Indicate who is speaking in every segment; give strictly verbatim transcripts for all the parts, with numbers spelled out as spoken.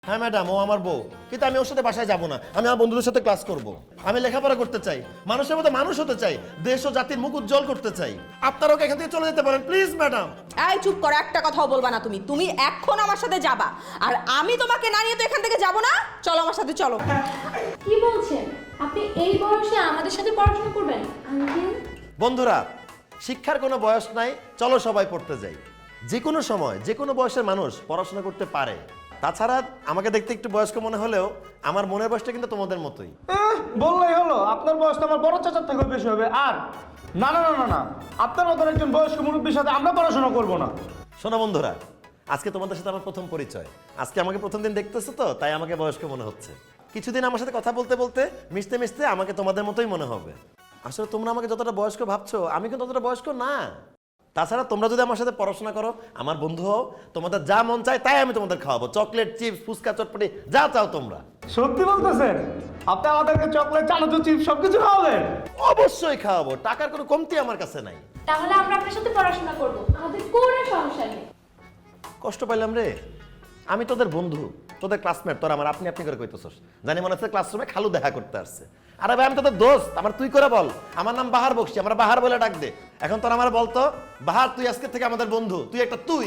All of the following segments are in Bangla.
Speaker 1: হ্যাঁ ম্যাডাম, ও আমার বউ, কিন্তু আমি ওর সাথে বাসায় যাব না। আমি আমার বন্ধুদের সাথে ক্লাস করব। আমি লেখাপড়া করতে চাই, মানুষের মতো মানুষ হতে চাই, দেশ ও জাতির মুখ উজ্জ্বল করতে চাই। আপনারা ওকে এখান থেকে চলে যেতে পারেন প্লিজ ম্যাডাম।
Speaker 2: এই চুপ করো, একটা কথাও বলবা না তুমি। তুমি এখন আমার সাথে যাবা, আর আমি তোমাকে না নিয়ে তো এখান থেকে যাব না। চলো আমার সাথে, চলো।
Speaker 3: কি বলছেন আপনি? এই বয়সে আমাদের সাথে পড়াশোনা করবেন? আঙ্কেল,
Speaker 1: বন্ধুরা, শিক্ষার কোনো বয়স নাই, চলো সবাই পড়তে যাই। যে কোনো সময় যে কোনো বয়সের মানুষ পড়াশোনা করতে পারে। তাছাড়া আমাকে দেখতে একটু বয়স্ক মনে হলেও আমার মনের বয়সটা কিন্তু তোমাদের মতোই।
Speaker 4: এহ, বললেই হলো আপনার বয়স তো আমার বড় চাচার থেকে বেশি হবে। আর না না না না না আপনার মতন একজন বয়স্ক মুরব্বীর সাথে আমরা পড়াশোনা করব না।
Speaker 1: শোনো বন্ধুরা, আজকে তোমাদের সাথে আমার প্রথম পরিচয়। আজকে আমাকে প্রথম দিন দেখতেছো তো, তাই আমাকে বয়স্ক মনে হচ্ছে। কিছুদিন আমার সাথে কথা বলতে বলতে মিশতে মিশতে আমাকে তোমাদের মতোই মনে হবে। আসলে তোমরা আমাকে যতটা বয়স্ক ভাবছো, আমি কিন্তু ততটা বয়স্ক না। তাছাড়া তোমরা যদি আমার সাথে পড়াশোনা করো, আমার বন্ধু হও, তোমাদের যা মন চায় তাই আমি তোমাদের খাওয়াবো। চকলেট, চিপস, ফুচকা, চটপটি যা চাও তোমরা।
Speaker 4: সত্যি বলতেছেন? আপনি আমাদেরকে চকলেট, চানাচুর, চিপস সবকিছু খাওয়াবেন?
Speaker 1: অবশ্যই খাওয়াবো, টাকার কোনো কমতি আমার কাছে নাই।
Speaker 3: তাহলে আমরা আপনার সাথে পড়াশোনা করব, আমাদের কোনো সমস্যা নেই।
Speaker 1: কষ্ট পাইলাম রে, আমি তোদের বন্ধু, তোদের ক্লাসমেট, তোর আমার আপনি আপনি করে কইতেছস। জানি মনে হচ্ছে ক্লাসরুমে খালু দেখা করতে আসছে। আরে ভাই, আমি তোদের দোস্ত, আমার তুই করে বল। আমার নাম বাহার বকশি, আমরা বাহার বলে ডাক দে। এখন তোর আমার বলতো, বাহার তুই আজকে থেকে আমাদের বন্ধু, তুই একটা তুই।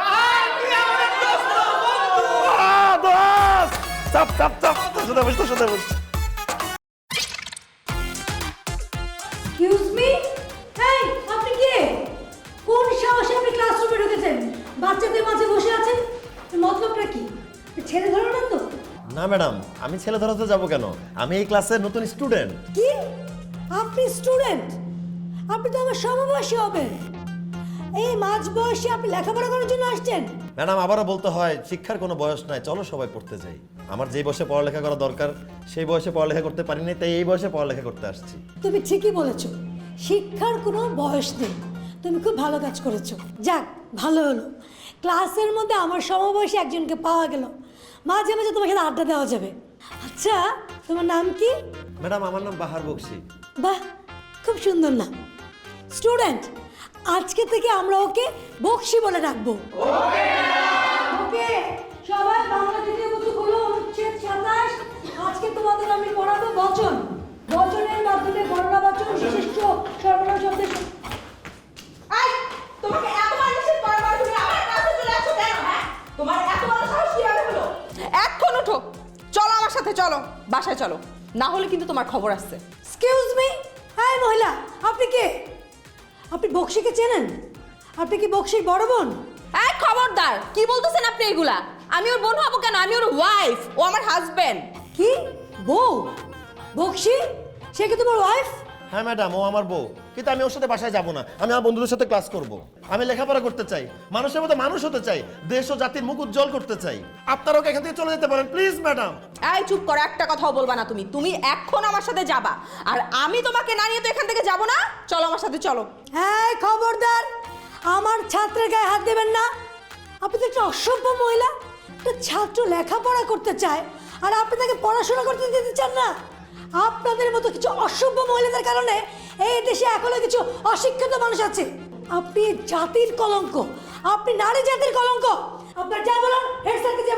Speaker 1: আহ, দোস্ত! চাপ চাপ চাপ, তোর সাথে বস, তোর সাথে বস।
Speaker 5: এক্সকিউজ মি, এই আপনি কে? কোন সাহসে আপনি ক্লাসরুমে ঢুকেছেন? বাচ্চাদের মাঝে বসে আছেন, এর মতলবটা কি? ছেলে ধরো না তো?
Speaker 1: না ম্যাডাম, আমি ছেলে ধরাতে যাবো কেন? আমি এই ক্লাসের নতুন স্টুডেন্ট।
Speaker 5: কি? আপনি স্টুডেন্ট? আপনি তো আমার সমবয়সী হবেন। এই মাঝ বয়সে আপনি লেখাপড়া করার জন্য আসছেন?
Speaker 1: ম্যাডাম, আবারও বলতে হয়, শিক্ষার কোনো বয়স নাই, চলো সবাই পড়তে যাই। আমার যেই বয়সে পড়ালেখা করা দরকার সেই বয়সে পড়ালেখা করতে পারিনি, তাই এই বয়সে পড়ালেখা করতে আসছি।
Speaker 5: তুমি ঠিকই বলেছো, শিক্ষার কোনো বয়স নেই। তুমি খুব ভালো কাজ করেছো। যাক, ভালো হলো ক্লাসের মধ্যে আমার সমবয়সী একজনকে পাওয়া গেল। মাঝে মাঝে তোমার সাথে আড্ডা দেওয়া যাবে। আচ্ছা, তোমার নাম কি?
Speaker 1: ম্যাডাম, আমার নাম বাহার বকশি।
Speaker 5: বাহ, খুব সুন্দর নাম। স্টুডেন্ট, আজকে থেকে আমরা ওকে বকশি বলে ডাকবো। ওকে, সবাই বাংলা দ্বিতীয় পুঁথি খুলো, অনুচ্ছেদ সাতাশ। আজকে তোমাদের আমি পড়াবো বচন। বচনের মাধ্যমে গণনা বাচন, বিশিষ্ট সর্বনাম শব্দের।
Speaker 2: এই, তোমাকে এত মানুষের পরবার তুমি আমার কাছে চলে আসছো কেন? হ্যাঁ, তোমার এত বড় সাহস কিভাবে হলো? এখন ওঠো, চলো আমার সাথে, চলো বাসায় চলো, না হলে কিন্তু তোমার খবর আছে।
Speaker 5: এক্সকিউজ মি, হ্যাঁ মহিলা, আপনি কে? আপনি বকশিকে চেনেন? আপনি কি বকশির বড় বোন?
Speaker 2: এই খবরদার, কি বলতেছেন আপনি এগুলা? আমি ওর বোন হবো কেন? আমি ওর ওয়াইফ, ও আমার হাজবেন্ড।
Speaker 5: কি বউ? বকশি সে কি তোমার ওয়াইফ?
Speaker 1: হ্যাঁ ম্যাডাম, ও আমার বউ, কিন্তু আমি ওর সাথে বাসায় যাব না। আমি আমার বন্ধুদের সাথে ক্লাস করব। আমি লেখাপড়া করতে চাই, মানুষের মতো মানুষ হতে চাই, দেশ ও জাতির মুখ উজ্জ্বল করতে চাই। আপনারা ওকে এখান থেকে চলে যেতে পারেন প্লিজ ম্যাডাম।
Speaker 2: এই চুপ করো, একটা কথাও বলবা না তুমি। তুমি এখন আমার সাথে যাবা, আর আমি তোমাকে না নিয়ে তো এখান থেকে যাব না। চলো আমার সাথে, চলো।
Speaker 5: হ্যাঁ, খবরদার, আমার ছাত্রের গায়ে হাত দেবেন না। আপনি তো একটা অসভ্য মহিলা। একটা ছাত্র লেখাপড়া করতে চায় আর আপনি তাকে পড়াশোনা করতে দিতে চান না। আপনাদের মতো কিছু অসভ্য মহিলাদের কারণে এই দেশে এখনো কিছু অশিক্ষিত মানুষ আছে। আপনি জাতির কলঙ্ক, আপনি নারী জাতির কলঙ্ক। আপনার যা বলুন হেড স্যারকে